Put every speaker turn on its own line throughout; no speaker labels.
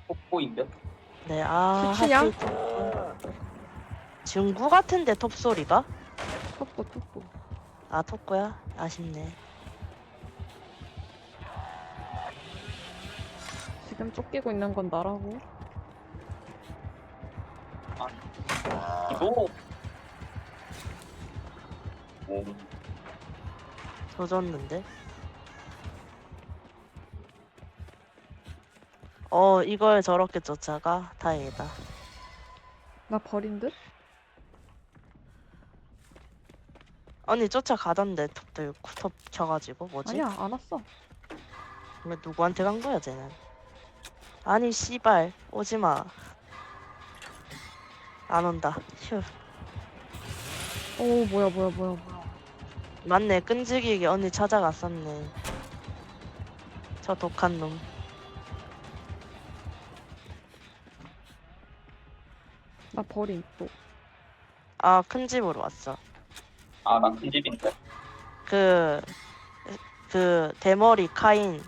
뽀뽀인데?
네,
수치냐?
하필 톱. 중구 같은데 톱 소리가?
톡보.
아, 톱구야? 아쉽네.
지금 쫓기고 있는 건 나라고.
이거
조졌는데? 이걸 저렇게 쫓아가? 다행이다.
나 버린 듯?
언니 쫓아가던데 톱 들고 톱 쳐가지고 뭐지?
아니야, 안 왔어.
왜 누구한테 간 거야 쟤는? 아니 씨발 오지마. 안 온다. 휴.
오, 뭐야.
맞네, 끈질기게 언니 찾아갔었네. 저 독한 놈.
나 버린 또.
아, 큰 집으로 왔어.
나 큰 집인데.
그 대머리 카인.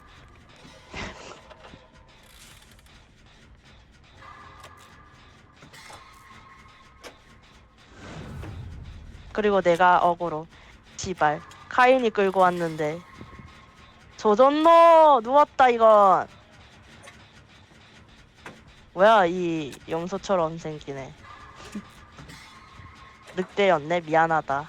그리고 내가 어그로. 지발. 카인이 끌고 왔는데. 조졌노! 누웠다 이건. 뭐야 이 염소처럼 생기네. 늑대였네. 미안하다.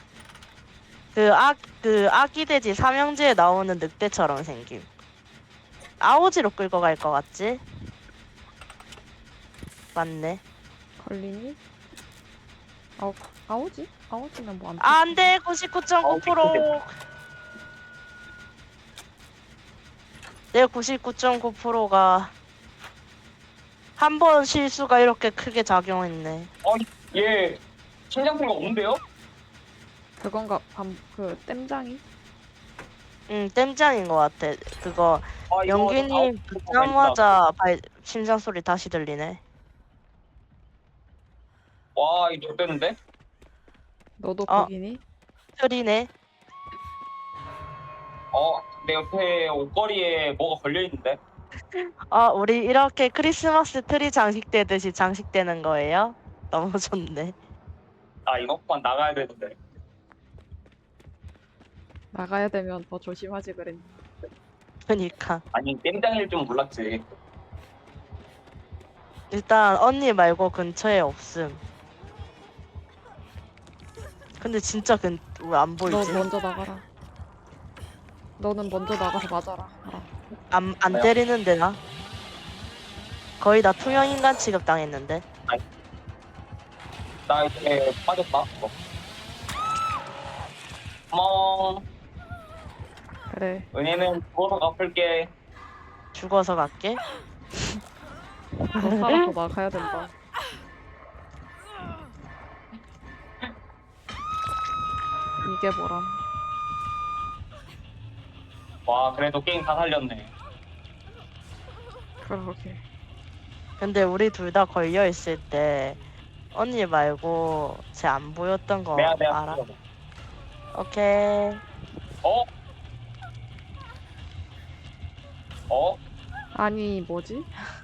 그 아기 돼지 삼형제에 나오는 늑대처럼 생김. 아오지로 끌고 갈 것 같지? 맞네.
걸리니? 아오지? 아오지는 뭐 안.
안 돼! 99.9%! 내 99.9%가 한 번 실수가 이렇게 크게 작용했네.
얘 심장소리가 없는데요?
그건가, 땜장이?
응, 땜짱인 것 같아. 그거
이거
영균님 붙자마자 심장 소리 다시 들리네.
와, 이거 좋대는데?
너도
어.
거기니?
틀이네.
내 옆에 옷걸이에 뭐가 걸려있는데?
우리 이렇게 크리스마스 트리 장식되듯이 장식되는 거예요? 너무 좋네.
이거 그만 나가야 되는데.
나가야 되면 더 조심하지 그랬니?
그니까.
아니, 땜장일 줄 몰랐지.
일단 언니 말고 근처에 없음. 근데 진짜 왜 안
너
보이지?
먼저 나가라. 너는 먼저 나가서 맞아라. 알아.
안
왜요?
때리는데 나? 거의 다 투명인간 취급당했는데.
나 이제 빠졌다. 고마워.
그래.
은혜는 죽어서 갚을게.
죽어서 갈게.
너 살아서 나가야 된다. 이게 뭐람?
와, 그래도 게임 다 살렸네.
그러게.
근데 우리 둘 다 걸려 있을 때 언니 말고 쟤 안 보였던 거
내가
알아?
죽여서.
오케이.
어? 어?
아니 뭐지?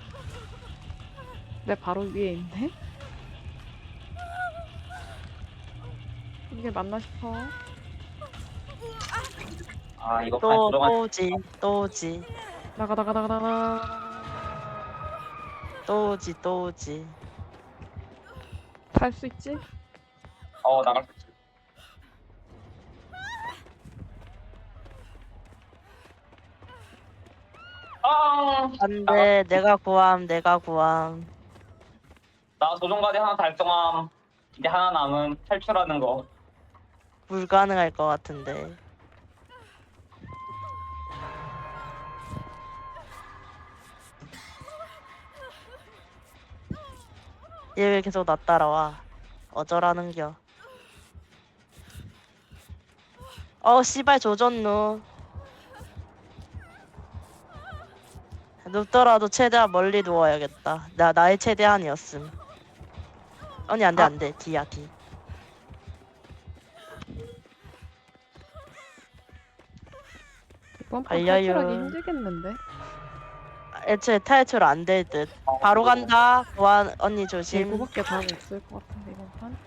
내 바로 위에 있네? 이게 맞나 싶어.
이거
또
들어가.
오지. 또 오지.
나가.
또 오지. 또 오지.
탈 수 있지?
나갈 수 있지.
안돼. 내가 구함.
나 조종까지 하나 달성함. 이제 하나 남은 탈출하는 거.
불가능할 것 같은데. 얘 왜 계속 나 따라와? 어쩌라는겨? 씨발 조졌누. 눕더라도 최대한 멀리 누워야겠다. 나의 최대한이었음. 언니 안돼. 뒤야 뒤.
이번 판
알려요.
탈출하기 힘들겠는데?
애초에 탈출 안 될 듯. 바로 간다. 보안 언니 조심.
이거밖에 답이 없을 것 같은데 이번 판.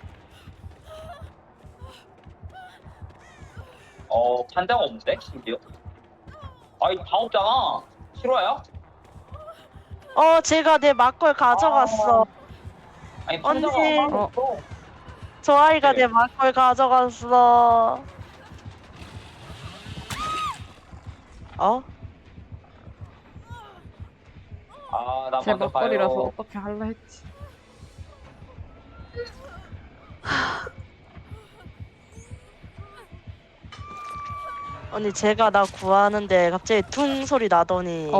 판자가 없는데 심지어. 아이 다 없잖아. 실화야?
제가 내 막걸 가져갔어.
아니 판자가
언니.
하나도 없어.
저 아이가
네.
내 막걸 가져갔어.
나
제
먼저
막걸리라서
가요.
어떻게 할라 했지.
언니 제가 나 구하는데 갑자기 퉁 소리 나더니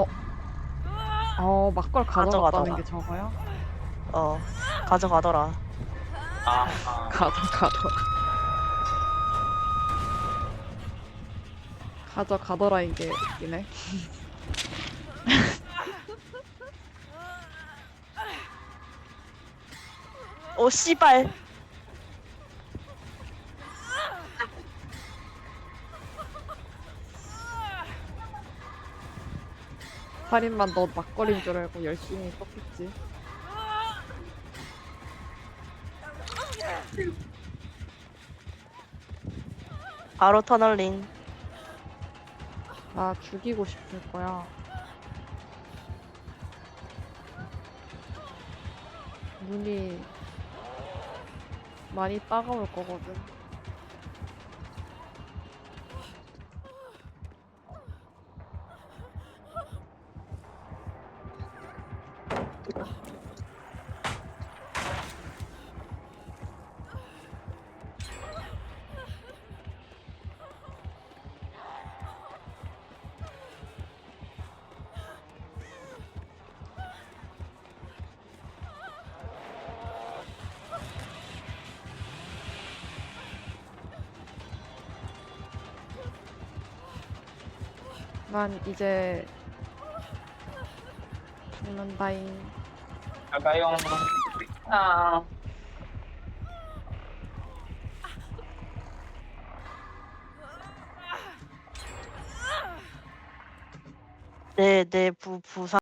막걸 가져갔다는
가져가더라.
게 저거야?
가져가더라.
가져가더라 이게 웃기네.
오 씨발.
살인만 너 막걸리인 줄 알고 열심히 썼겠지.
바로 터널링.
나 죽이고 싶을 거야. 눈이 많이 따가울 거거든. 난 이제 죽는다잉.
갈까요?
내 부상.